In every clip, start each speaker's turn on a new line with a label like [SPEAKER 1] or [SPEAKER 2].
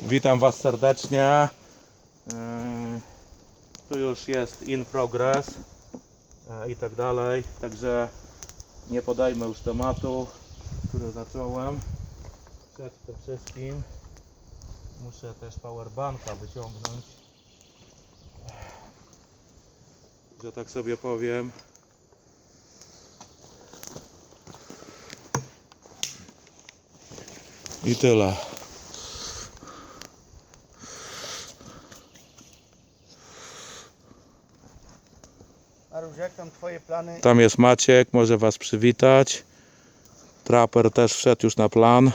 [SPEAKER 1] Witam Was serdecznie. Tu już jest in progress i tak dalej. Także nie podajmy już tematu, który zacząłem. Przed tym wszystkim muszę też powerbanka wyciągnąć, że tak sobie powiem. I tyle.
[SPEAKER 2] Aruś, jak tam twoje plany?
[SPEAKER 1] Tam jest Maciek, może Was przywitać. Traper też wszedł już na plan.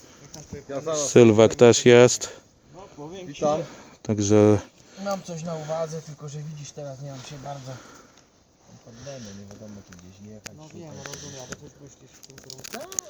[SPEAKER 1] Sylwek też jest.
[SPEAKER 2] Witam.
[SPEAKER 1] Także
[SPEAKER 2] Mam coś na uwadze, tylko że widzisz, teraz nie mam się bardzo.
[SPEAKER 3] Mam problemy, nie wiadomo czy gdzieś jechać.
[SPEAKER 2] No wiem, rozumiem, ale coś myślisz w tym kierunku.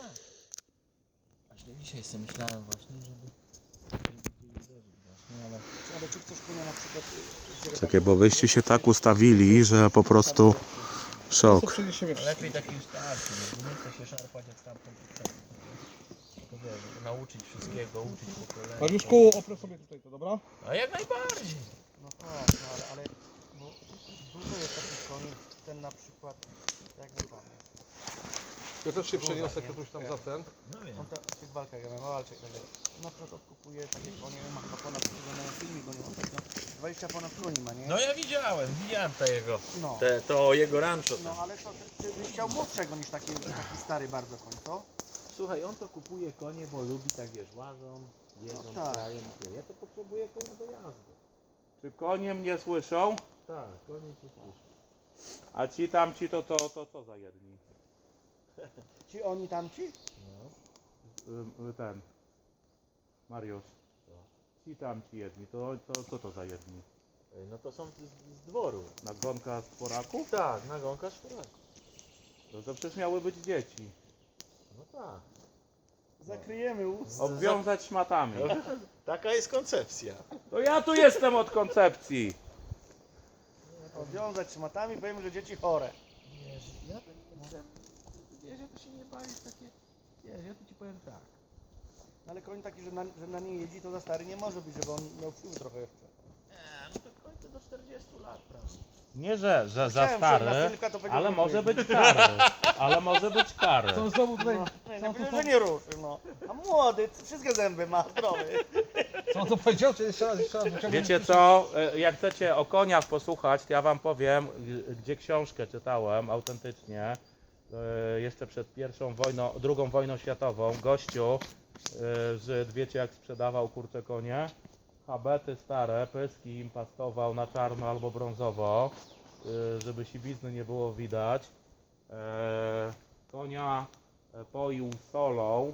[SPEAKER 3] Właśnie dzisiaj sobie myślałem właśnie, żeby gdzieś uderzyć właśnie, ale
[SPEAKER 2] Ale czy chcesz konia na przykład...
[SPEAKER 1] czekaj, bo wyście się tak ustawili, że po prostu szok.
[SPEAKER 3] lepiej taki starszy, nie chce się szarpać jak stamtąd. Tylko wiesz, żeby nauczyć wszystkiego, uczyć po kolei.
[SPEAKER 4] Mariuszku, oprę sobie tutaj to, dobra?
[SPEAKER 3] A jak najbardziej.
[SPEAKER 2] No tak, no ale bo dużo jest takich koni, ten na przykład, jak wypadnie.
[SPEAKER 4] Ja też się przeniosę ktoś tam za ten.
[SPEAKER 3] No wiem.
[SPEAKER 2] On w tych walkach, ja mam walczek, ale na przykład odkupuje takie konie, ma chyba ponad, na filmik, bo nie mam tak, no, 20 ponad koni ma, nie?
[SPEAKER 3] No ja widziałem to jego,
[SPEAKER 2] No.
[SPEAKER 3] to jego rancho
[SPEAKER 2] No
[SPEAKER 3] tam.
[SPEAKER 2] ale to ty byś chciał młodszego niż taki stary bardzo koń, co?
[SPEAKER 3] Słuchaj, on to kupuje konie, bo lubi tak wiesz, łażą, jedzą,
[SPEAKER 2] No tak.
[SPEAKER 3] krajem. Ja to potrzebuję konia do jazdy.
[SPEAKER 1] Czy konie mnie słyszą?
[SPEAKER 3] Tak, konie się słyszy.
[SPEAKER 1] A ci tamci to co za jedni?
[SPEAKER 2] Ci oni tamci?
[SPEAKER 3] No.
[SPEAKER 1] Ten Mariusz. Ci tamci jedni, to co to za jedni?
[SPEAKER 3] No to są z dworu.
[SPEAKER 1] Nagonka z poraków?
[SPEAKER 3] Tak, nagonka szkoda.
[SPEAKER 1] To przecież miały być dzieci.
[SPEAKER 3] No tak.
[SPEAKER 2] Zakryjemy ust.
[SPEAKER 1] Obwiązać szmatami.
[SPEAKER 3] Taka jest koncepcja.
[SPEAKER 1] To ja tu jestem od koncepcji.
[SPEAKER 2] Odwiązać szmatami, powiem, że dzieci chore.
[SPEAKER 3] Wiesz, ja to nie chcę. Wiesz, ja to się nie bawię w takie. Wiesz, ja to ci powiem tak.
[SPEAKER 2] Ale koń taki, że na nie jeździ, to za stary nie może być, żeby on miał siły trochę jeszcze.
[SPEAKER 3] No to kończę do 40 lat, prawda?
[SPEAKER 1] Nie, że za
[SPEAKER 2] Chciałem
[SPEAKER 1] stary,
[SPEAKER 2] wsiąść na Sylwka, to powiedział,
[SPEAKER 1] ale
[SPEAKER 2] że
[SPEAKER 1] może
[SPEAKER 2] nie
[SPEAKER 1] być kary. Ale może być kary.
[SPEAKER 4] To znowu tutaj,
[SPEAKER 2] No, nie powiedział, że nie ruszy, no. A młody, wszystkie zęby ma, zdrowy.
[SPEAKER 4] co on to powiedział? Czy jeszcze raz, wyciągnę?
[SPEAKER 1] Wiecie co, jak chcecie o koniach posłuchać, to ja wam powiem, gdzie książkę czytałem autentycznie, jeszcze przed II wojną światową, gościu, Żyd, wiecie jak sprzedawał kurcze konie? Habety stare, pyski im pastował na czarno albo brązowo, żeby siwizny nie było widać. Konia poił solą,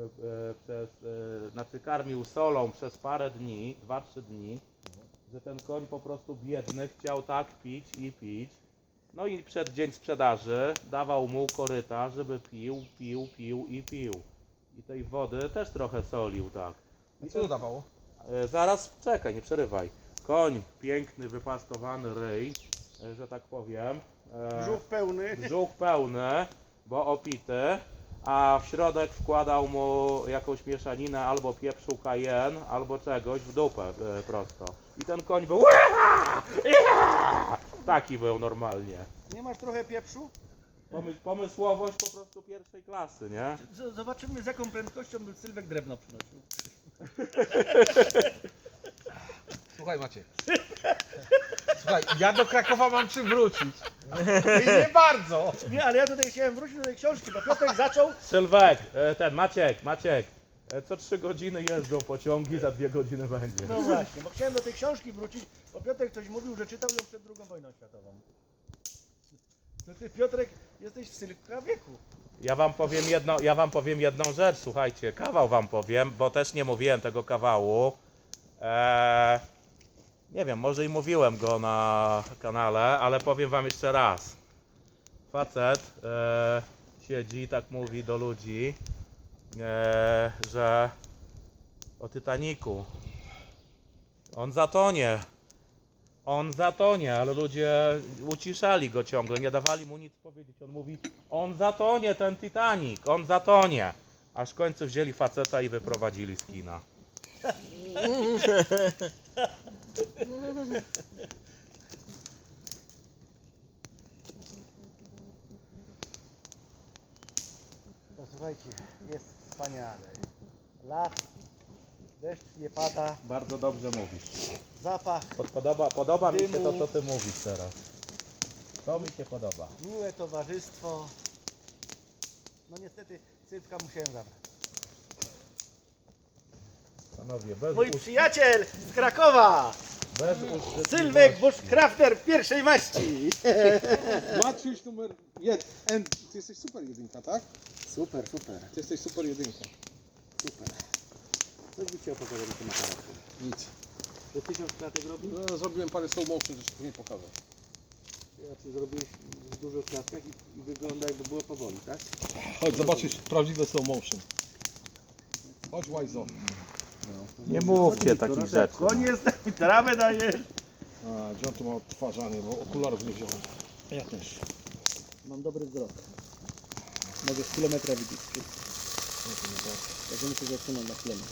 [SPEAKER 1] znaczy karmił solą przez parę dni, 2-3 dni, że ten koń po prostu biedny chciał tak pić i pić. No i przed dzień sprzedaży dawał mu koryta, żeby pił i pił. I tej wody też trochę solił, tak.
[SPEAKER 4] I co to dawało?
[SPEAKER 1] Zaraz, czekaj, nie przerywaj. Koń, piękny, wypastowany ryj, że tak powiem.
[SPEAKER 2] Brzuch pełny.
[SPEAKER 1] Brzuch pełny, bo opity, a w środek wkładał mu jakąś mieszaninę albo pieprzu cayenne, albo czegoś w dupę prosto. I ten koń był taki był normalnie.
[SPEAKER 2] Nie masz trochę pieprzu?
[SPEAKER 1] Pomysłowość po prostu pierwszej klasy, nie?
[SPEAKER 2] Zobaczymy, z jaką prędkością by Sylwek drewno przynosił.
[SPEAKER 4] Słuchaj Maciek. Słuchaj, ja do Krakowa mam czym wrócić. I nie bardzo.
[SPEAKER 2] Nie, ale ja tutaj chciałem wrócić do tej książki, bo Piotrek zaczął.
[SPEAKER 1] Sylwek, Maciek, co 3 godziny jeżdżą pociągi, za 2 godziny będzie.
[SPEAKER 2] No właśnie, bo chciałem do tej książki wrócić, bo Piotrek coś mówił, że czytał ją przed II wojną światową. To ty, Piotrek, jesteś w Sylwka wieku.
[SPEAKER 1] Ja wam powiem jedną rzecz, słuchajcie, kawał wam powiem, bo też nie mówiłem tego kawału. Nie wiem, może i mówiłem go na kanale, ale powiem wam jeszcze raz. Facet siedzi i tak mówi do ludzi, że o Titanicu. On zatonie, ale ludzie uciszali go ciągle, nie dawali mu nic powiedzieć. On mówi, on zatonie, ten Titanic, on zatonie. Aż w końcu wzięli faceta i wyprowadzili z kina.
[SPEAKER 2] No słuchajcie, jest wspaniale. Las, deszcz nie pada,
[SPEAKER 1] Bardzo dobrze mówisz.
[SPEAKER 2] zapach,
[SPEAKER 1] Podoba mi się
[SPEAKER 2] Dymu.
[SPEAKER 1] to, co ty mówisz teraz. To mi się podoba.
[SPEAKER 2] miłe towarzystwo. No niestety Sylwka musiałem zabrać.
[SPEAKER 1] Panowie, bez,
[SPEAKER 2] Mój przyjaciel z Krakowa!
[SPEAKER 1] bez uszczypliwości.
[SPEAKER 2] Sylwek Bushcrafter pierwszej maści!
[SPEAKER 4] Maciuś numer 1. Ty jesteś super jedynka, tak?
[SPEAKER 2] Super, super,
[SPEAKER 4] Ty jesteś super jedynka.
[SPEAKER 2] super. Co by Ci opowiadał na tym aparacie?
[SPEAKER 4] Nic.
[SPEAKER 2] Że 1000 klatek robił?
[SPEAKER 4] No, zrobiłem parę slow motion, że ci później pokażę.
[SPEAKER 2] Ja Ty zrobiłeś w dużych klatkach i wygląda jakby było powoli, tak?
[SPEAKER 4] Chodź, zobaczysz prawdziwe slow motion. Chodź, Łajzo.
[SPEAKER 1] Nie mówcie takich rzeczy.
[SPEAKER 2] Koniec, trawę dajesz.
[SPEAKER 4] A, gdzie on tu ma odtwarzanie, bo okularów nie wziąłem.
[SPEAKER 2] Ja też. Mam dobry wzrok. Mogę z kilometra widzieć wszystko. Także muszę zatrzymać na chwilę.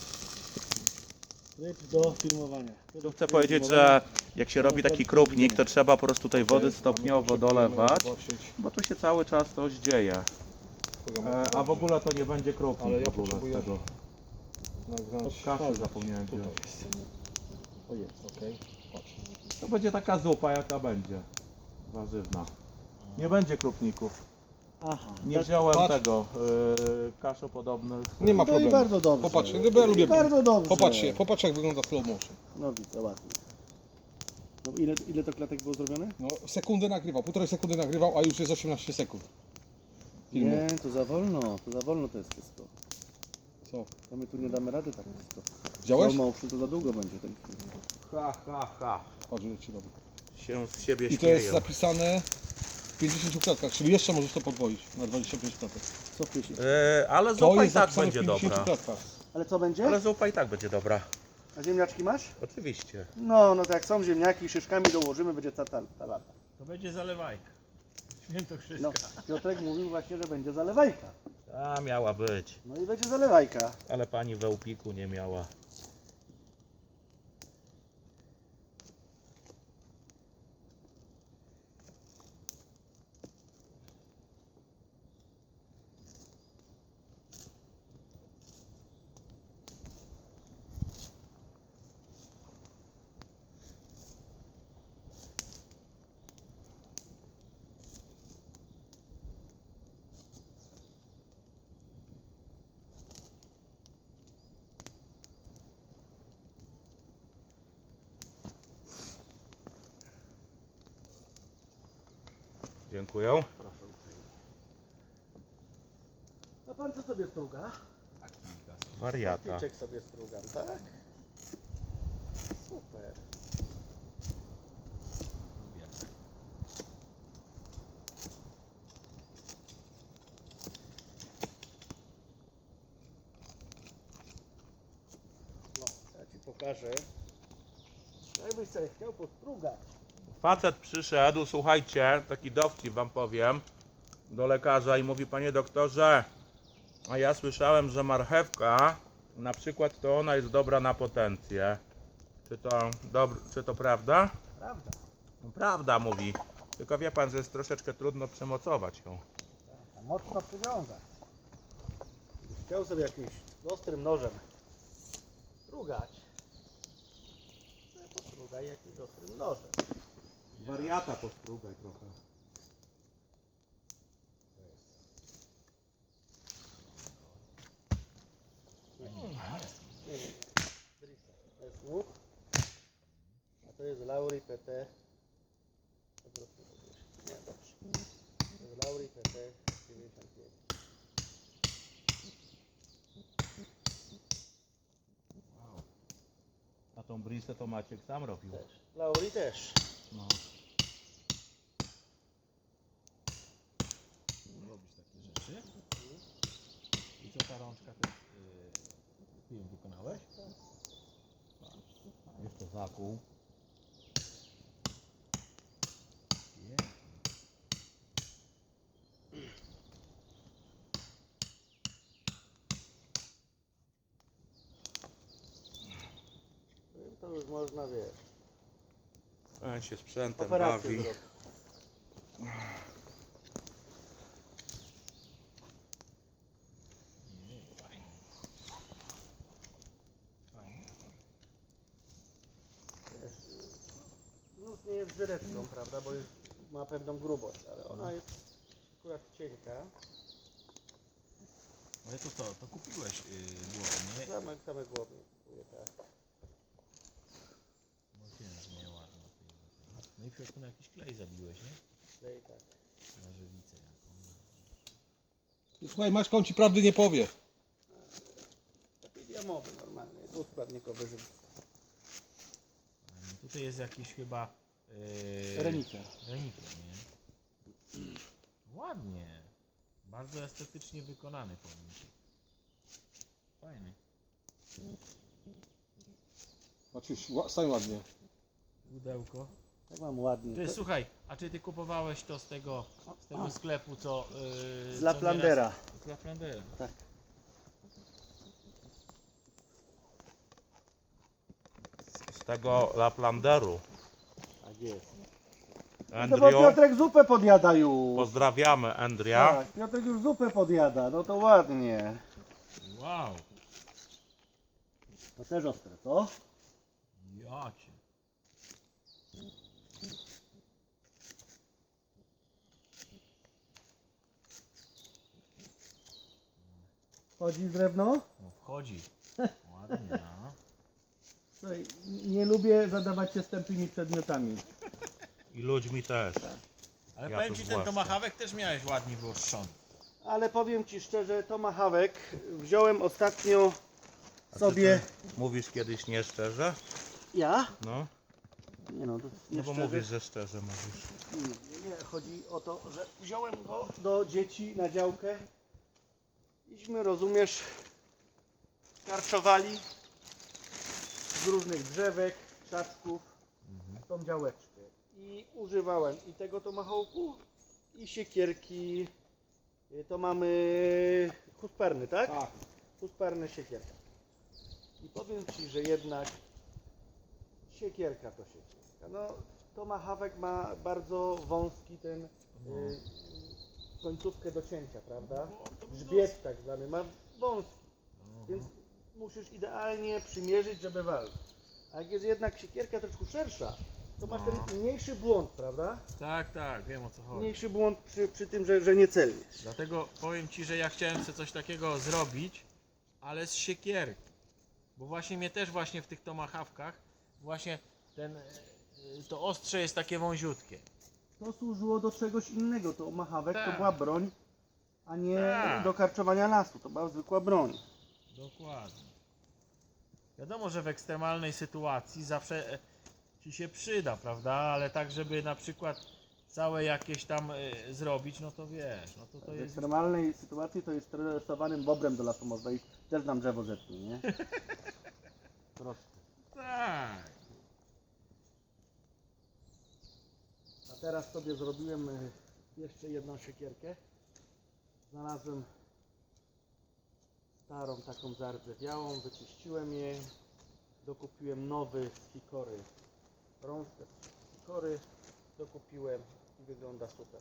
[SPEAKER 2] Tryb do filmowania.
[SPEAKER 1] Tu chcę powiedzieć, że jak się robi taki krupnik, to trzeba po prostu tej wody stopniowo dolewać, bo tu się cały czas coś dzieje. A w ogóle to nie będzie krupnik.
[SPEAKER 4] Ale ja
[SPEAKER 1] w ogóle
[SPEAKER 4] potrzebuję
[SPEAKER 1] z tego.
[SPEAKER 4] nagrać.
[SPEAKER 1] Od kaszy zapomniałem
[SPEAKER 4] Tutaj
[SPEAKER 1] wziąć.
[SPEAKER 4] jest. O jest, okej. Patrz.
[SPEAKER 1] To będzie taka zupa, jaka będzie. Warzywna. Nie będzie krupników.
[SPEAKER 2] Aha.
[SPEAKER 1] Nie wziąłem
[SPEAKER 4] Patrz.
[SPEAKER 1] tego kaszopodobnych.
[SPEAKER 4] Nie ma
[SPEAKER 2] No i
[SPEAKER 4] problemu.
[SPEAKER 2] bardzo dobrze.
[SPEAKER 4] Popatrz, bo ja lubię.
[SPEAKER 2] Bardzo dobrze.
[SPEAKER 4] Popatrz jak wygląda slow motion.
[SPEAKER 2] No widzę, ładnie. No, ile to klatek było zrobione?
[SPEAKER 4] No, sekundę nagrywał, 1,5 sekundy nagrywał, a już jest 18 sekund. Filmu.
[SPEAKER 2] Nie, to za wolno to jest wszystko.
[SPEAKER 4] Co?
[SPEAKER 2] To my tu nie damy rady tak wszystko.
[SPEAKER 4] Widziałeś?
[SPEAKER 2] Slow motion to za długo będzie ten film.
[SPEAKER 1] Ha, ha, ha.
[SPEAKER 4] Patrz, ile ci robi.
[SPEAKER 1] Się z siebie
[SPEAKER 4] I to jest
[SPEAKER 1] śmieją.
[SPEAKER 4] zapisane w 50 klatkach, czyli jeszcze możesz to podwoić na 25 klatek.
[SPEAKER 2] Co piesie?
[SPEAKER 1] Ale
[SPEAKER 4] To
[SPEAKER 1] zupa i
[SPEAKER 4] jest
[SPEAKER 1] tak
[SPEAKER 4] zapisane w
[SPEAKER 1] będzie
[SPEAKER 4] 50
[SPEAKER 1] dobra.
[SPEAKER 4] klatkach.
[SPEAKER 2] Ale co będzie?
[SPEAKER 1] Ale zupa i tak będzie dobra.
[SPEAKER 2] A ziemniaczki masz?
[SPEAKER 1] Oczywiście.
[SPEAKER 2] No to jak są ziemniaki, szyszkami dołożymy, będzie ta lata.
[SPEAKER 3] To będzie zalewajka. Świętokrzyska.
[SPEAKER 2] No, Piotrek mówił właśnie, że będzie zalewajka.
[SPEAKER 1] A miała być.
[SPEAKER 2] No i będzie zalewajka.
[SPEAKER 1] Ale pani we Łpiku nie miała. Dziękuję.
[SPEAKER 2] A pan co sobie struga?
[SPEAKER 1] Wariata.
[SPEAKER 2] Pieczek sobie strugam, tak? Super. No, ja Ci pokażę. Jakbyś sobie chciał postrugać.
[SPEAKER 1] Facet przyszedł, słuchajcie, taki dowcip wam powiem, do lekarza i mówi: panie doktorze, a ja słyszałem, że marchewka na przykład to ona jest dobra na potencję. Czy to prawda?
[SPEAKER 2] Prawda?
[SPEAKER 1] No, prawda, mówi. Tylko wie pan, że jest troszeczkę trudno przemocować ją.
[SPEAKER 2] A mocno przywiązać. Chciał sobie jakimś ostrym nożem strugać. To postrugaj jakimś ostrym nożem.
[SPEAKER 1] Wariata postrugaj trochę.
[SPEAKER 2] To jest łuk, a to jest Lauri PT. Nie, dobrze. To jest Lauri PT 95.
[SPEAKER 1] A tą brisę to Maciek sam robił.
[SPEAKER 2] Też. Lauri też.
[SPEAKER 1] No.
[SPEAKER 3] Robisz takie rzeczy. I co ta rączka to jest, ty ją wykonałeś?
[SPEAKER 1] Jeszcze zakół.
[SPEAKER 2] to już można, wiesz,
[SPEAKER 1] On się sprzętem
[SPEAKER 2] operację
[SPEAKER 1] bawi.
[SPEAKER 2] zrobić.
[SPEAKER 3] Fajnie. Fajnie.
[SPEAKER 2] Nóż nie jest żyreczką, prawda, bo już ma pewną grubość, ale ona jest akurat cienka.
[SPEAKER 3] Ale to co, to kupiłeś głowę, nie?
[SPEAKER 2] Same głowy. kupuję, tak.
[SPEAKER 3] No wiem, że nie ładna. No i w środku na jakiś klej zabiłeś, nie?
[SPEAKER 2] Klej, tak.
[SPEAKER 3] Na żywicę jaką.
[SPEAKER 4] Słuchaj, Maćka, on ci prawdy nie powie.
[SPEAKER 2] Taki diamowy normalny, dwuskładnikowy żywy.
[SPEAKER 3] Tutaj jest jakiś chyba...
[SPEAKER 2] Reniker.
[SPEAKER 3] Reniker, nie? Ładnie. Bardzo estetycznie wykonany pomnik. Fajny.
[SPEAKER 4] Maciuś, stań ładnie.
[SPEAKER 3] Pudełko.
[SPEAKER 2] Tak mam ładnie.
[SPEAKER 3] Ty, słuchaj, a czy ty kupowałeś to z tego sklepu, co...
[SPEAKER 2] Z
[SPEAKER 3] co
[SPEAKER 2] Laplandera.
[SPEAKER 3] nieraz- Z Laplandera.
[SPEAKER 2] Tak.
[SPEAKER 1] Z tego Laplanderu.
[SPEAKER 2] Tak jest. No bo
[SPEAKER 1] Andrew,
[SPEAKER 2] Piotrek zupę podjada już.
[SPEAKER 1] pozdrawiamy Andria.
[SPEAKER 2] Tak, Piotrek już zupę podjada, no to ładnie.
[SPEAKER 3] Wow.
[SPEAKER 2] To też ostre, co?
[SPEAKER 3] Jacie.
[SPEAKER 2] Chodzi drewno?
[SPEAKER 3] No wchodzi. Ładnie, no.
[SPEAKER 2] Słuchaj, nie lubię zadawać się z tępymi przedmiotami.
[SPEAKER 1] I ludźmi też.
[SPEAKER 3] Ale
[SPEAKER 1] Ja
[SPEAKER 3] powiem
[SPEAKER 1] to
[SPEAKER 3] ci, ten
[SPEAKER 1] zwłaszcza.
[SPEAKER 3] tomahawek też miałeś ładnie wyostrzony.
[SPEAKER 2] Ale powiem Ci szczerze, tomahawek wziąłem ostatnio
[SPEAKER 1] A czy
[SPEAKER 2] sobie...
[SPEAKER 1] ty mówisz kiedyś nieszczerze?
[SPEAKER 2] Ja?
[SPEAKER 1] No,
[SPEAKER 2] Nie no, to
[SPEAKER 1] no bo
[SPEAKER 2] szczerze.
[SPEAKER 1] mówisz, że szczerze mówisz.
[SPEAKER 2] Nie, chodzi o to, że wziąłem go do dzieci na działkę. Iśmy, rozumiesz, karczowali z różnych drzewek, krzaczków tą działeczkę. I używałem i tego tomahawku, i siekierki. To mamy husperny, tak?
[SPEAKER 4] Tak.
[SPEAKER 2] Husperny siekierka. I powiem Ci, że jednak siekierka to siekierka. No, tomahawk ma bardzo wąski ten końcówkę do cięcia, prawda? Grzbiet tak zwany ma wąski, więc musisz idealnie przymierzyć, żeby walczyć. A jak jest jednak siekierka troszkę szersza, to masz ten mniejszy błąd, prawda?
[SPEAKER 3] Tak, tak, wiem o co chodzi.
[SPEAKER 2] Mniejszy błąd przy tym, że nie celniesz.
[SPEAKER 3] Dlatego powiem ci, że ja chciałem sobie coś takiego zrobić, ale z siekierki. Bo właśnie mnie też właśnie w tych tomahawkach właśnie to ostrze jest takie wąziutkie.
[SPEAKER 2] To służyło do czegoś innego, to tomahawk to
[SPEAKER 3] Tak.
[SPEAKER 2] była broń, a nie
[SPEAKER 3] Tak.
[SPEAKER 2] do karczowania lasu, to była zwykła broń.
[SPEAKER 3] Dokładnie. Wiadomo, że w ekstremalnej sytuacji zawsze ci się przyda, prawda? Ale tak, żeby na przykład całe jakieś tam zrobić, no to wiesz, no to
[SPEAKER 2] W
[SPEAKER 3] jest...
[SPEAKER 2] ekstremalnej sytuacji to jest stresowanym bobrem do lasu można iść, też nam drzewo zetnie, nie? Proste.
[SPEAKER 3] Tak.
[SPEAKER 2] A teraz sobie zrobiłem jeszcze jedną siekierkę. Znalazłem starą taką zardzewiałą, wyczyściłem jej, dokupiłem nowy z hikory, rączkę z hikory, dokupiłem i wygląda super.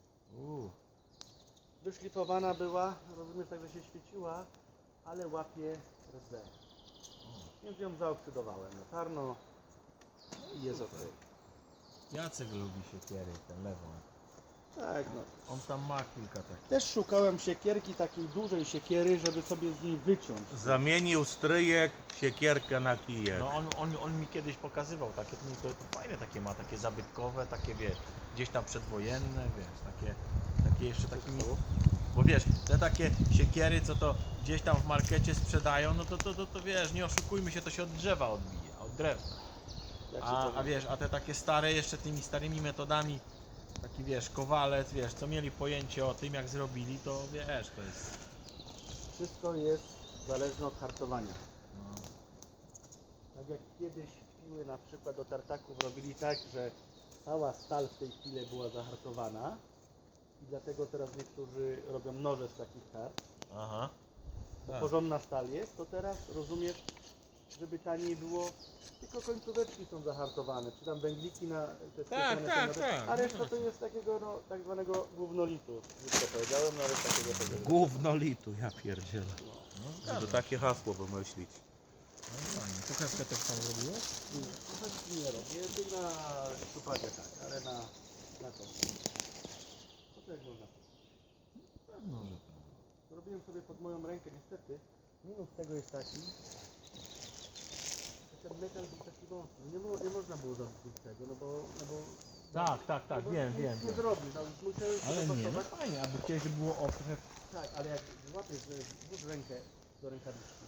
[SPEAKER 2] Wyszlifowana była, rozumiesz, tak, że się świeciła, ale łapie rdze. Więc ją zaoksydowałem na czarno i jest ok.
[SPEAKER 3] Jacek lubi siekiery, ten lewą.
[SPEAKER 2] Tak, no.
[SPEAKER 3] On tam ma kilka takich.
[SPEAKER 2] Też szukałem siekierki, takiej dużej siekiery, żeby sobie z niej wyciąć.
[SPEAKER 1] Zamienił stryjek siekierkę na kijek.
[SPEAKER 3] No on mi kiedyś pokazywał takie, to fajne takie ma, takie zabytkowe, takie wiesz, gdzieś tam przedwojenne, wiesz, takie jeszcze takimi, bo wiesz, te takie siekiery, co to gdzieś tam w markecie sprzedają, no to wiesz, nie oszukujmy się, to się od drzewa odbije, od drewna.
[SPEAKER 2] Jak się
[SPEAKER 3] A
[SPEAKER 2] to
[SPEAKER 3] wiesz, a te takie stare, jeszcze tymi starymi metodami, taki wiesz, kowalec, wiesz, co mieli pojęcie o tym, jak zrobili, to wiesz, to jest...
[SPEAKER 2] Wszystko jest zależne od hartowania.
[SPEAKER 3] No.
[SPEAKER 2] Tak jak kiedyś piły na przykład do tartaków robili tak, że cała stal w tej chwili była zahartowana i dlatego teraz niektórzy robią noże z takich tart.
[SPEAKER 3] Aha.
[SPEAKER 2] Bo
[SPEAKER 3] Tak.
[SPEAKER 2] porządna stal jest, to teraz rozumiesz, żeby taniej było, tylko końcóweczki są zahartowane, czy tam węgliki na te
[SPEAKER 4] Tak,
[SPEAKER 2] skreślone są
[SPEAKER 4] tak.
[SPEAKER 2] a reszta to jest takiego no, tak zwanego gównolitu, już to powiedziałem, no ale takiego tego.
[SPEAKER 1] Gówno litu, ja pierdzielę.
[SPEAKER 3] No,
[SPEAKER 1] Żeby takie hasło wymyślić.
[SPEAKER 3] no fajnie. Pokażkę też tam zrobiłeś?
[SPEAKER 2] Nie robię, ty na sztupadzie tak, ale na to. Co to jak można?
[SPEAKER 3] Pewno, że tak.
[SPEAKER 2] Zrobiłem sobie pod moją rękę, niestety. Minus tego jest taki, że ten metal był taki wąski. Nie można było zrobić tego, no bo
[SPEAKER 3] Tak,
[SPEAKER 2] no bo
[SPEAKER 3] wiem.
[SPEAKER 2] Nie zrobisz, no, musiałem
[SPEAKER 3] Ale
[SPEAKER 2] sobie
[SPEAKER 3] nie, no
[SPEAKER 2] pasować.
[SPEAKER 3] fajnie, aby kiedyś było ostre.
[SPEAKER 2] Tak, ale jak złapiesz, że włóż rękę do rękawiczki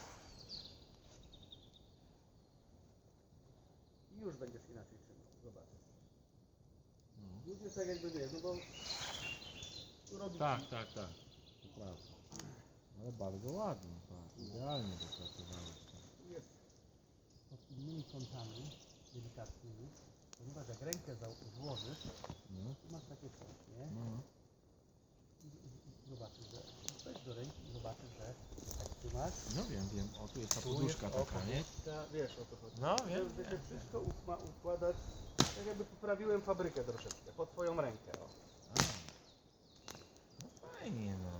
[SPEAKER 2] i już będziesz inaczej trzymał, zobaczysz. Już jest tak jakby wiesz, no bo tu robisz
[SPEAKER 3] Tak. To prawda. Ale bardzo ładnie, tak. Idealnie dopracowałeś.
[SPEAKER 2] jest pod innymi kątami, delikatnymi, ponieważ jak rękę złożysz,
[SPEAKER 3] No,
[SPEAKER 2] tu masz takie coś, nie?
[SPEAKER 3] no.
[SPEAKER 2] I zobaczysz, że weź do ręki i zobaczysz, że jak trzymasz,
[SPEAKER 3] No wiem. O, tu jest ta
[SPEAKER 2] tu
[SPEAKER 3] poduszka
[SPEAKER 2] jest
[SPEAKER 3] taka, nie?
[SPEAKER 2] poduszka, wiesz o to chodzi.
[SPEAKER 3] No,
[SPEAKER 2] Że się wszystko ma układać, tak jakby poprawiłem fabrykę troszeczkę, pod twoją rękę, o.
[SPEAKER 3] A. No fajnie, no.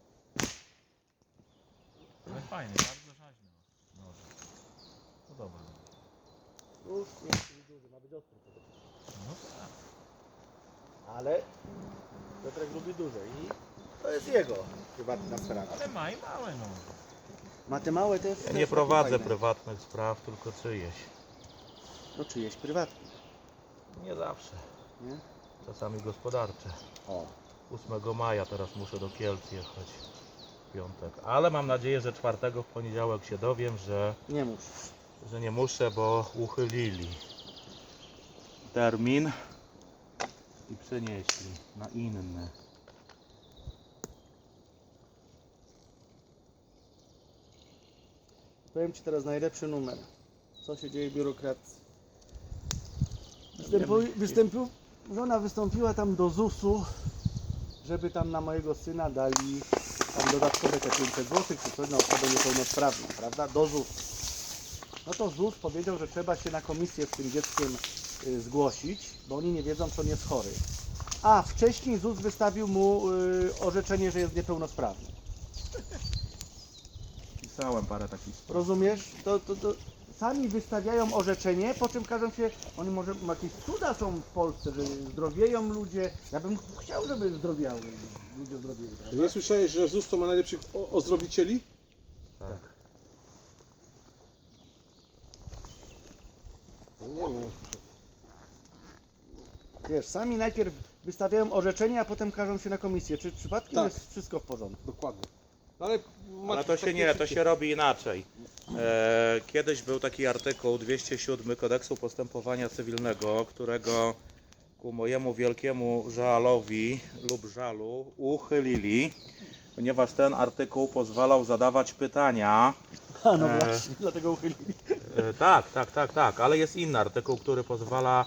[SPEAKER 3] Ale fajnie, bardzo rzeźno. No, podoba mi się.
[SPEAKER 2] Już nie jest duży, ma być ostry przede wszystkim.
[SPEAKER 3] No tak.
[SPEAKER 2] Ale Piotrek lubi duże i to jest jego prywatna sprawa.
[SPEAKER 3] Ale ma i małe, no.
[SPEAKER 2] Ma te małe też.
[SPEAKER 1] Ja nie prowadzę prywatnych spraw, tylko czyjeś.
[SPEAKER 2] No czyjeś prywatne,
[SPEAKER 1] Nie zawsze.
[SPEAKER 2] nie?
[SPEAKER 1] Czasami gospodarcze.
[SPEAKER 2] O.
[SPEAKER 1] 8 maja teraz muszę do Kielc jechać. W piątek. Ale mam nadzieję, że 4 w poniedziałek się dowiem,
[SPEAKER 2] Nie musisz.
[SPEAKER 1] że nie muszę, bo uchylili termin i przenieśli na inny.
[SPEAKER 2] Powiem Ci teraz najlepszy numer. Co się dzieje w biurokracji? Żona wystąpiła tam do ZUS-u, żeby tam na mojego syna dali tam dodatkowe te 500 zł, czy coś na osobę niepełnosprawną, prawda? Do ZUS. No to ZUS powiedział, że trzeba się na komisję z tym dzieckiem zgłosić, bo oni nie wiedzą, czy on jest chory. A wcześniej ZUS wystawił mu orzeczenie, że jest niepełnosprawny.
[SPEAKER 1] Pisałem parę takich spraw.
[SPEAKER 2] Rozumiesz? To sami wystawiają orzeczenie, po czym każą się, oni może jakieś cuda są w Polsce, że zdrowieją ludzie. Ja bym chciał, żeby zdrowiały, ludzie zdrowieli.
[SPEAKER 5] Ty
[SPEAKER 2] Prawda?
[SPEAKER 5] nie słyszałeś, że ZUS to ma najlepszych ozdrowicieli?
[SPEAKER 1] Tak.
[SPEAKER 5] No nie wiem.
[SPEAKER 2] Wiesz, sami najpierw wystawiają orzeczenie, a potem każą się na komisję. Czy przypadkiem
[SPEAKER 5] Tak.
[SPEAKER 2] jest wszystko w porządku?
[SPEAKER 5] Dokładnie. No ale,
[SPEAKER 1] Ale to się nie, to się robi inaczej. Kiedyś był taki artykuł 207 Kodeksu Postępowania Cywilnego, którego ku mojemu wielkiemu żalowi lub żalu uchylili, ponieważ ten artykuł pozwalał zadawać pytania.
[SPEAKER 2] A no właśnie, dlatego uchylili.
[SPEAKER 1] Tak, ale jest inny artykuł, który pozwala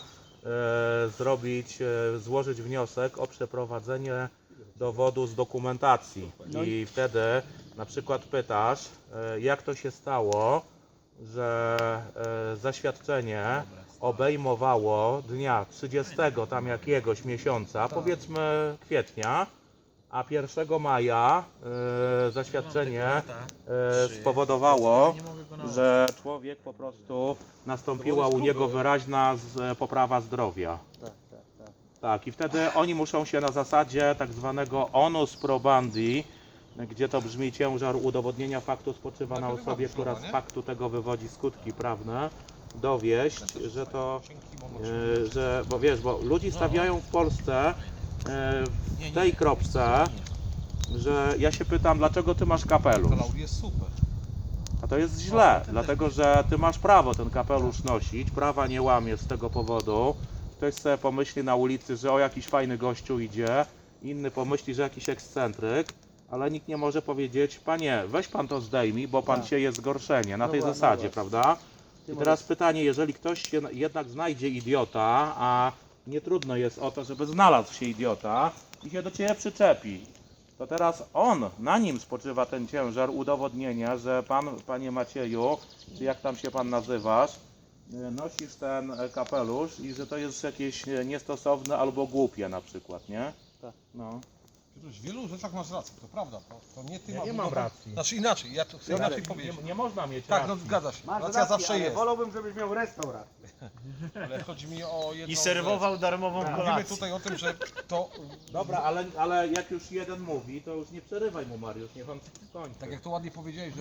[SPEAKER 1] złożyć wniosek o przeprowadzenie dowodu z dokumentacji.
[SPEAKER 2] No
[SPEAKER 1] I wtedy na przykład pytasz, jak to się stało, że zaświadczenie obejmowało dnia 30 tam jakiegoś miesiąca, powiedzmy kwietnia, a 1 maja zaświadczenie spowodowało, że człowiek po prostu nastąpiła u niego wyraźna poprawa zdrowia.
[SPEAKER 2] Tak.
[SPEAKER 1] Tak, i wtedy oni muszą się na zasadzie tak zwanego onus probandi, gdzie to brzmi ciężar udowodnienia faktu spoczywa na osobie, która z faktu tego wywodzi skutki prawne, dowieść, że to, bo wiesz, bo ludzi stawiają w Polsce w tej kropce, że ja się pytam, dlaczego ty masz kapelusz?
[SPEAKER 4] Klaudii jest super.
[SPEAKER 1] A to jest źle, dlatego że ty masz prawo ten kapelusz nosić, prawa nie łamiesz z tego powodu. Ktoś sobie pomyśli na ulicy, że o jakiś fajny gościu idzie, inny pomyśli, że jakiś ekscentryk, ale nikt nie może powiedzieć, panie, weź pan to zdejmij, bo pan
[SPEAKER 2] Tak.
[SPEAKER 1] sieje zgorszenie na
[SPEAKER 2] No
[SPEAKER 1] tej
[SPEAKER 2] właśnie,
[SPEAKER 1] zasadzie,
[SPEAKER 2] no
[SPEAKER 1] prawda?
[SPEAKER 2] Ty
[SPEAKER 1] I teraz pytanie, jeżeli ktoś się jednak znajdzie idiota, a nie trudno jest o to, żeby znalazł się idiota i się do ciebie przyczepi, to teraz na nim spoczywa ten ciężar udowodnienia, że pan, panie Macieju, czy jak tam się pan nazywasz, nosisz ten kapelusz i że to jest jakieś niestosowne albo głupie na przykład, nie?
[SPEAKER 2] Tak.
[SPEAKER 1] No.
[SPEAKER 5] Piotruś, w wielu rzeczach masz rację, to prawda. To nie ty
[SPEAKER 1] Ja
[SPEAKER 5] masz
[SPEAKER 1] nie mam
[SPEAKER 5] udowod-
[SPEAKER 1] racji.
[SPEAKER 5] Znaczy inaczej, ja to chcę inaczej powiedzieć.
[SPEAKER 1] Nie można mieć
[SPEAKER 5] Tak, no
[SPEAKER 1] racji.
[SPEAKER 5] zgadza się.
[SPEAKER 2] Masz
[SPEAKER 5] Racja
[SPEAKER 2] rację,
[SPEAKER 5] zawsze
[SPEAKER 2] ale
[SPEAKER 5] jest.
[SPEAKER 2] wolałbym, żebyś miał restaurację.
[SPEAKER 5] Ale chodzi mi o jedną
[SPEAKER 3] I serwował darmową
[SPEAKER 2] Tak.
[SPEAKER 5] rzecz.
[SPEAKER 3] kolację.
[SPEAKER 5] Mówimy tutaj o tym, że to,
[SPEAKER 1] Dobra, ale jak już jeden mówi, to już nie przerywaj mu, Mariusz, niech on skończy.
[SPEAKER 5] tak jak to ładnie powiedziałeś,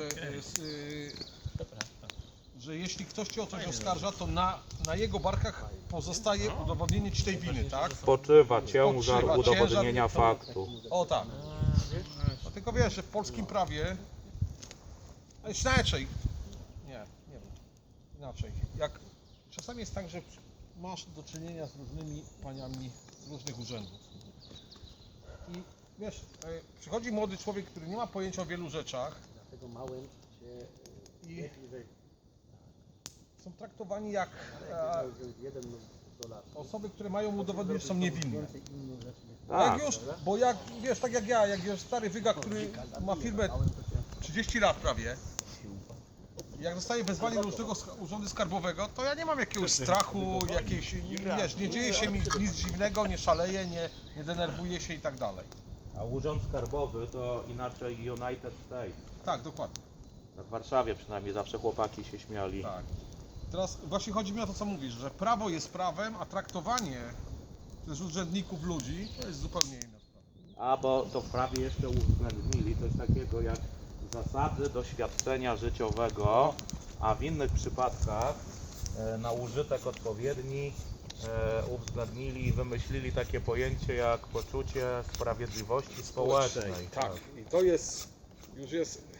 [SPEAKER 5] że jeśli ktoś cię o coś oskarża, to na jego barkach pozostaje udowodnienie ci tej winy, tak?
[SPEAKER 1] Spoczywa ciężar
[SPEAKER 5] Spoczywa
[SPEAKER 1] udowodnienia
[SPEAKER 5] ciężar-
[SPEAKER 1] faktu.
[SPEAKER 5] O tak. No tylko wiesz, że w polskim prawie, ale inaczej, nie wiem, inaczej, jak czasami jest tak, że masz do czynienia z różnymi paniami z różnych urzędów i wiesz, przychodzi młody człowiek, który nie ma pojęcia o wielu rzeczach
[SPEAKER 2] Dlatego małym się
[SPEAKER 5] i
[SPEAKER 2] że
[SPEAKER 5] są traktowani jak
[SPEAKER 2] jeden do lat.
[SPEAKER 5] osoby, które mają udowodnić, że są niewinne.
[SPEAKER 2] Więcej innych rzeczy nie
[SPEAKER 1] Tak.
[SPEAKER 5] Jak już, bo jak, wiesz, tak jak ja, jak jest stary wyga, który ma firmę 30 lat prawie, jak dostaje wezwanie do różnego urzędu skarbowego, to ja nie mam jakiegoś strachu, jakiejś, wiesz, nie dzieje się mi nic dziwnego, nie szaleję, nie denerwuję się i tak dalej.
[SPEAKER 1] A urząd skarbowy to inaczej United States.
[SPEAKER 5] Tak, dokładnie,
[SPEAKER 1] Tak w Warszawie przynajmniej zawsze chłopaki się śmiali.
[SPEAKER 5] tak. Teraz właśnie chodzi mi o to, co mówisz, że prawo jest prawem, a traktowanie przez urzędników ludzi to jest zupełnie inna sprawa.
[SPEAKER 1] A bo to w prawie jeszcze uwzględnili coś takiego jak zasady doświadczenia życiowego, a w innych przypadkach na użytek odpowiedni uwzględnili i wymyślili takie pojęcie jak poczucie sprawiedliwości społecznej.
[SPEAKER 5] Tak, i to jest, już jest,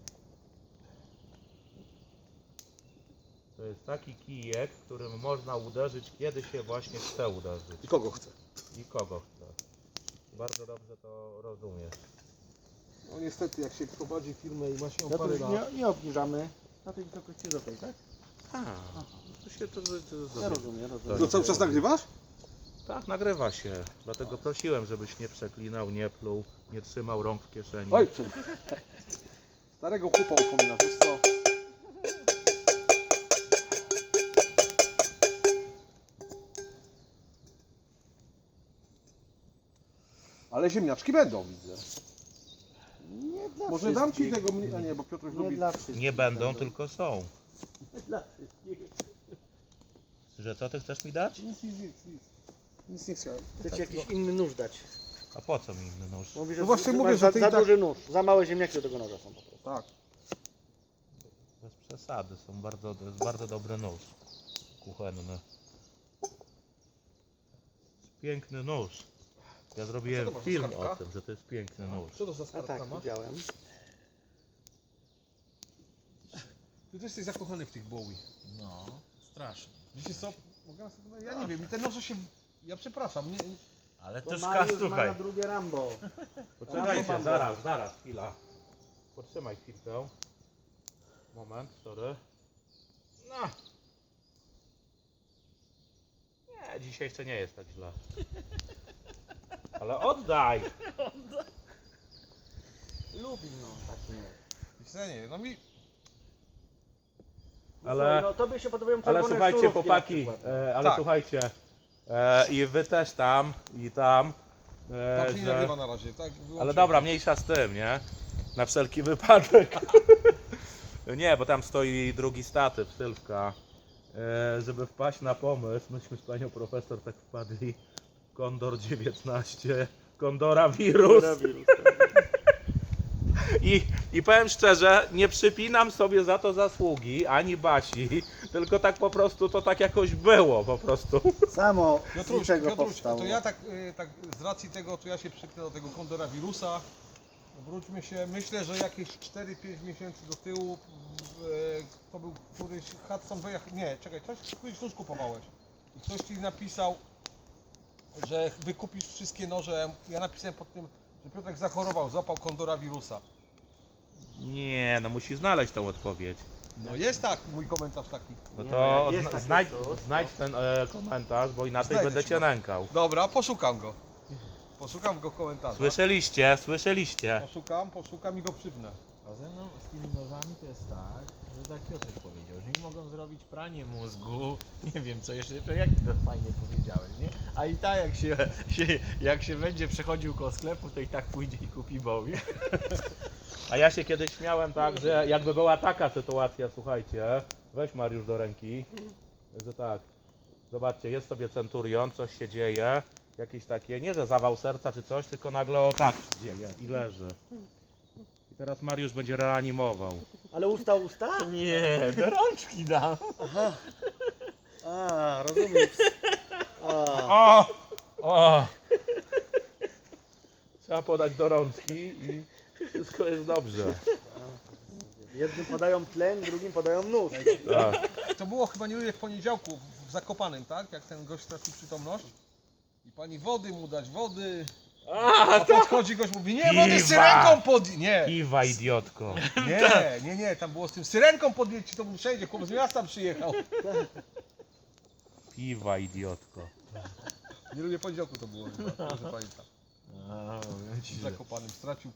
[SPEAKER 1] To jest taki kijek, którym można uderzyć, kiedy się właśnie chce uderzyć.
[SPEAKER 5] i kogo chce.
[SPEAKER 1] I kogo chce. Bardzo dobrze to rozumiesz.
[SPEAKER 5] No niestety, jak się prowadzi firmę i ma się
[SPEAKER 2] No to
[SPEAKER 5] parę
[SPEAKER 2] już
[SPEAKER 5] lat,
[SPEAKER 2] nie obniżamy na tej wysokości do tej, tak?
[SPEAKER 1] A, to się
[SPEAKER 2] Ja rozumiem, rozumiem.
[SPEAKER 1] To cały czas nagrywasz? Tak, nagrywa się. Dlatego prosiłem, żebyś nie przeklinał, nie pluł, nie trzymał rąk w kieszeni.
[SPEAKER 5] Oj, starego chłopa upominasz, wiesz co? Ale ziemniaczki będą, widzę.
[SPEAKER 2] Nie dla
[SPEAKER 5] Może dam ci
[SPEAKER 2] wszystkich.
[SPEAKER 5] tego mniej, a nie, bo Piotruś
[SPEAKER 2] Nie
[SPEAKER 5] lubi...
[SPEAKER 2] dla wszystkich.
[SPEAKER 1] Nie będą, tylko są.
[SPEAKER 2] Nie dla wszystkich.
[SPEAKER 1] Że co ty chcesz mi dać?
[SPEAKER 5] Nic nie chciałem.
[SPEAKER 2] Chcę ci jakiś inny nóż dać.
[SPEAKER 1] A po co mi inny nóż?
[SPEAKER 2] Mówi,
[SPEAKER 5] No właśnie
[SPEAKER 2] że
[SPEAKER 5] mówię,
[SPEAKER 2] masz
[SPEAKER 5] że
[SPEAKER 2] za,
[SPEAKER 5] ty i
[SPEAKER 2] za
[SPEAKER 5] tak-
[SPEAKER 2] duży nóż. Za małe ziemniaki do tego noża są po prostu.
[SPEAKER 5] Tak.
[SPEAKER 1] Bez przesady, to jest bardzo dobry nóż kuchenny. Piękny nóż. Ja zrobiłem
[SPEAKER 5] to masz,
[SPEAKER 1] film
[SPEAKER 5] skarbka?
[SPEAKER 1] o tym, że to jest piękny nóż.
[SPEAKER 5] Co to za
[SPEAKER 2] A
[SPEAKER 5] skarbka
[SPEAKER 2] tak,
[SPEAKER 5] masz?
[SPEAKER 2] widziałem.
[SPEAKER 5] Ty też jesteś zakochany w tych Bowie.
[SPEAKER 3] No, strasznie.
[SPEAKER 5] Wiecie co? Mogę sobie... Ja nie wiem, i te noże się... Ja przepraszam, nie...
[SPEAKER 3] Ale
[SPEAKER 2] Bo
[SPEAKER 3] też
[SPEAKER 2] Mariusz ma
[SPEAKER 3] słuchaj.
[SPEAKER 2] na drugie Rambo.
[SPEAKER 1] Poczekajcie, zaraz, chwila. Potrzymaj chwilkę. Moment, sorry. No. Nie, dzisiaj jeszcze nie jest tak źle. Ale oddaj!
[SPEAKER 2] Lubi no taki nóż.
[SPEAKER 5] Wiecie, nie, no mi...
[SPEAKER 1] Ale-
[SPEAKER 2] No tobie się podobają
[SPEAKER 1] Ale
[SPEAKER 2] czerwone
[SPEAKER 1] słuchajcie,
[SPEAKER 2] szturówki
[SPEAKER 1] chłopaki,
[SPEAKER 2] na przykład.
[SPEAKER 1] ale
[SPEAKER 5] Tak.
[SPEAKER 1] słuchajcie, i wy też tam, i tam,
[SPEAKER 5] Tam się nie
[SPEAKER 1] że...
[SPEAKER 5] nagrywa na razie, tak?
[SPEAKER 1] Ale
[SPEAKER 5] Wyłączyłem.
[SPEAKER 1] dobra, mniejsza z tym, nie? Na wszelki wypadek. Nie, bo tam stoi drugi statyw, Sylwka. Żeby wpaść na pomysł, myśmy z panią profesor tak wpadli. Kondor 19, Kondora wirus. I powiem szczerze, nie przypinam sobie za to zasługi, ani Basi, tylko tak po prostu to tak jakoś było po prostu.
[SPEAKER 2] Samo z
[SPEAKER 5] Piotruś,
[SPEAKER 2] niczego
[SPEAKER 5] Piotruś,
[SPEAKER 2] powstało.
[SPEAKER 5] to ja tak z racji tego, to ja się przyknę do tego kondora wirusa. Wróćmy się, myślę, że jakieś 4-5 miesięcy do tyłu to był któryś Hudson wyjechał, nie, czekaj, któryś nóż kupowałeś i ktoś ci napisał, że wykupisz wszystkie noże, ja napisałem pod tym, że Piotrek zachorował, złapał kondora wirusa.
[SPEAKER 1] Nie, no musi znaleźć tą odpowiedź.
[SPEAKER 5] No jest tak, mój komentarz taki.
[SPEAKER 1] No
[SPEAKER 2] Nie,
[SPEAKER 1] to
[SPEAKER 2] jest takie
[SPEAKER 1] znajdź,
[SPEAKER 2] coś,
[SPEAKER 1] znajdź ten komentarz, bo inaczej
[SPEAKER 5] Znajdę
[SPEAKER 1] będę
[SPEAKER 5] ci
[SPEAKER 1] cię
[SPEAKER 5] go.
[SPEAKER 1] nękał.
[SPEAKER 5] Dobra, poszukam go. Poszukam go w komentarzach.
[SPEAKER 1] Słyszeliście.
[SPEAKER 5] Poszukam i go przypnę.
[SPEAKER 3] A ze mną z tymi nożami to jest tak, że tak Piotrek powiedział, że mi mogą zrobić pranie mózgu, nie wiem co jeszcze, to jak to fajnie powiedziałeś, nie? A i tak jak się będzie przechodził koło sklepu, to i tak pójdzie i kupi bowi.
[SPEAKER 1] A ja się kiedyś śmiałem tak, że jakby była taka sytuacja, słuchajcie, weź Mariusz do ręki, że tak, zobaczcie, jest sobie centurion, coś się dzieje, jakieś takie, nie że zawał serca czy coś, tylko nagle o tak się dzieje i leży. I teraz Mariusz będzie reanimował.
[SPEAKER 2] Ale usta?
[SPEAKER 3] Nie, do rączki dam.
[SPEAKER 2] A, rozumiem.
[SPEAKER 1] O! O! Trzeba podać do rączki i wszystko jest dobrze.
[SPEAKER 2] Jednym podają tlen, drugim podają nóż.
[SPEAKER 1] Tak.
[SPEAKER 5] To było chyba nie w poniedziałku w Zakopanem, tak? Jak ten gość stracił przytomność. I pani wody mu dać, wody. A podchodzi gość, mówi, nie, wody z syrenką nie,
[SPEAKER 1] Kiwa, idiotko.
[SPEAKER 5] nie, tam było z tym syrenką podjedź, to mu przejdzie, chłop z miasta przyjechał.
[SPEAKER 1] Kiwa, idiotko.
[SPEAKER 5] Nie lubię poniedziałku to było, chyba, że pamiętam.
[SPEAKER 3] A, mówię ci,
[SPEAKER 5] W
[SPEAKER 3] że-
[SPEAKER 5] Zakopanem stracił.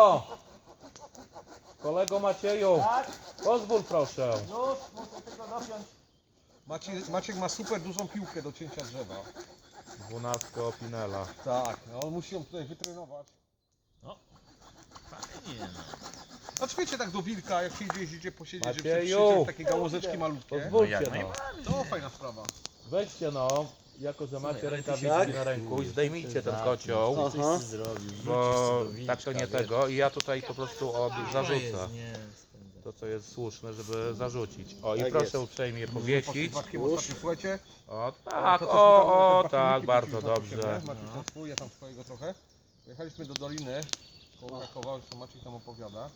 [SPEAKER 1] Kolego Macieju,
[SPEAKER 2] Tak,
[SPEAKER 1] pozwól proszę.
[SPEAKER 2] nóż, muszę tylko dopiąć.
[SPEAKER 5] Maciek ma super dużą piłkę do cięcia drzewa.
[SPEAKER 1] 12 Opinela.
[SPEAKER 5] Tak, no on musi ją tutaj wytrenować.
[SPEAKER 3] Fajnie, no.
[SPEAKER 5] Znaczy wiecie, tak do wilka, jak się idzie posiedzieć, żeby
[SPEAKER 1] Macieju!
[SPEAKER 5] przyjdzie takie gałązeczki malutkie.
[SPEAKER 1] Pozwólcie
[SPEAKER 3] jak
[SPEAKER 1] no.
[SPEAKER 3] najbardziej.
[SPEAKER 5] To fajna sprawa.
[SPEAKER 1] Weźcie no, jako że macie
[SPEAKER 3] ale ty
[SPEAKER 1] rękawiczki
[SPEAKER 2] się
[SPEAKER 1] na ręku i
[SPEAKER 3] tak
[SPEAKER 1] zdejmijcie ten
[SPEAKER 3] Aha.
[SPEAKER 1] kocioł,
[SPEAKER 2] Aha.
[SPEAKER 3] Zrobił,
[SPEAKER 1] bo tak to nie tego i ja tutaj po prostu zarzucę
[SPEAKER 3] Nie,
[SPEAKER 1] to co jest słuszne, żeby zarzucić. O i
[SPEAKER 2] Tak
[SPEAKER 1] proszę
[SPEAKER 2] jest.
[SPEAKER 1] uprzejmie powiesić.
[SPEAKER 5] Maćkiem ostatnio, słuchajcie.
[SPEAKER 1] O
[SPEAKER 5] to,
[SPEAKER 1] tak,
[SPEAKER 5] co
[SPEAKER 1] o
[SPEAKER 5] tam,
[SPEAKER 1] tak,
[SPEAKER 5] filmiki
[SPEAKER 1] bardzo
[SPEAKER 5] wrzuciliśmy
[SPEAKER 1] dobrze.
[SPEAKER 5] na siebie. Maciek ten swój, ja tam swojego trochę. Pojechaliśmy do Doliny, koło Krakowa, już to Maciek tam opowiada.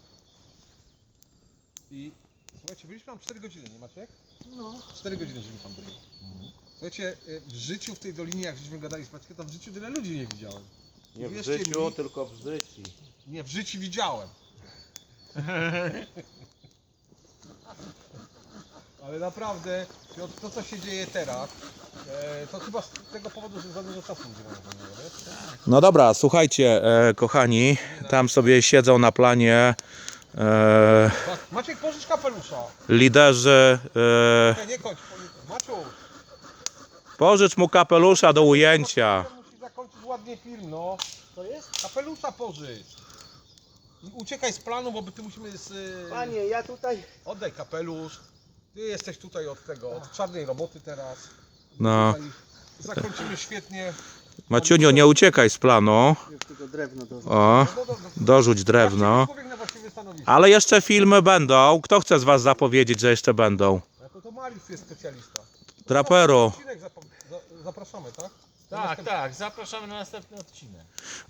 [SPEAKER 5] I słuchajcie, byliśmy tam 4 godziny, nie Maciek?
[SPEAKER 2] No.
[SPEAKER 5] 4 godziny żeśmy tam byli. Słuchajcie, w życiu w tej Dolinie, jak żeśmy gadali z Maćkiem, tam w życiu tyle ludzi nie widziałem.
[SPEAKER 1] Nie w
[SPEAKER 5] Wierzcie
[SPEAKER 1] życiu,
[SPEAKER 5] mi-
[SPEAKER 1] tylko w życiu.
[SPEAKER 5] Nie, w życiu widziałem. Ale naprawdę, Piotr, to co się dzieje teraz, to chyba z tego powodu, że za dużo czasu nie mamy, wiesz?
[SPEAKER 1] No dobra, słuchajcie, kochani, tam sobie siedzą na planie
[SPEAKER 5] Maciek, pożycz kapelusza.
[SPEAKER 1] liderzy.
[SPEAKER 5] Nie kończ, Maciu.
[SPEAKER 1] Pożycz mu kapelusza do ujęcia.
[SPEAKER 5] Musi zakończyć ładnie film, no.
[SPEAKER 2] To jest?
[SPEAKER 5] Kapelusza pożycz. I uciekaj z planu, bo ty musimy
[SPEAKER 2] Panie, ja tutaj...
[SPEAKER 5] Oddaj kapelusz. Ty jesteś tutaj od tego, od czarnej roboty teraz.
[SPEAKER 1] No.
[SPEAKER 5] Tutaj zakończymy świetnie.
[SPEAKER 1] Maciuniu, nie uciekaj z planu.
[SPEAKER 2] Już tylko drewno do...
[SPEAKER 1] O, dorzuć drewno.
[SPEAKER 5] Człowiek na właściwe stanowisko.
[SPEAKER 1] Ale jeszcze filmy będą. Kto chce z was zapowiedzieć, że jeszcze będą?
[SPEAKER 5] To Mariusz jest specjalista.
[SPEAKER 1] Traperu.
[SPEAKER 5] Odcinek zapraszamy, tak?
[SPEAKER 3] Tak, zapraszamy na następny odcinek.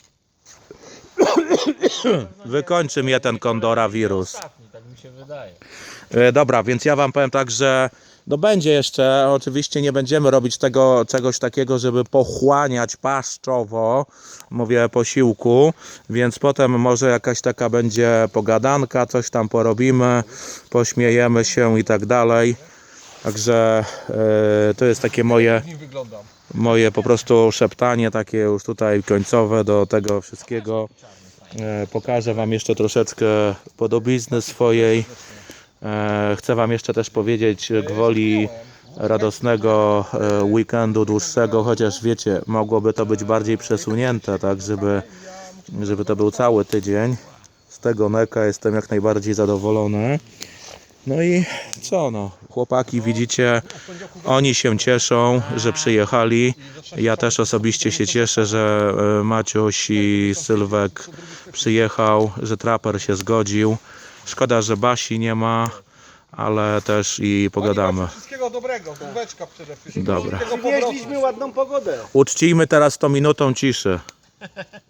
[SPEAKER 1] Wykończy mnie ten kondorowirus.
[SPEAKER 3] Ostatni, tak mi się wydaje.
[SPEAKER 1] Dobra, więc ja wam powiem tak, że no będzie jeszcze, oczywiście nie będziemy robić tego czegoś takiego, żeby pochłaniać paszczowo, mówię posiłku, więc potem może jakaś taka będzie pogadanka, coś tam porobimy, pośmiejemy się i tak dalej. Także to jest takie
[SPEAKER 5] W nim wyglądam.
[SPEAKER 1] moje po prostu szeptanie takie już tutaj końcowe do tego wszystkiego. Pokażę wam jeszcze troszeczkę podobizny swojej. Chcę wam jeszcze też powiedzieć gwoli radosnego weekendu dłuższego, chociaż wiecie, mogłoby to być bardziej przesunięte, tak, żeby to był cały tydzień. Z tego neka jestem jak najbardziej zadowolony. No i co no, chłopaki widzicie, oni się cieszą, że przyjechali. Ja też osobiście się cieszę, że Maciuś i Sylwek przyjechał, że Traper się zgodził. Szkoda, że Basi nie ma, ale też i pogadamy.
[SPEAKER 5] Wszystkiego dobrego, główeczka przede wszystkim.
[SPEAKER 1] Dobra.
[SPEAKER 5] Szybkiego powrotu.
[SPEAKER 2] Przywieźliśmy ładną pogodę.
[SPEAKER 1] Uczcijmy teraz 100 minutą ciszy.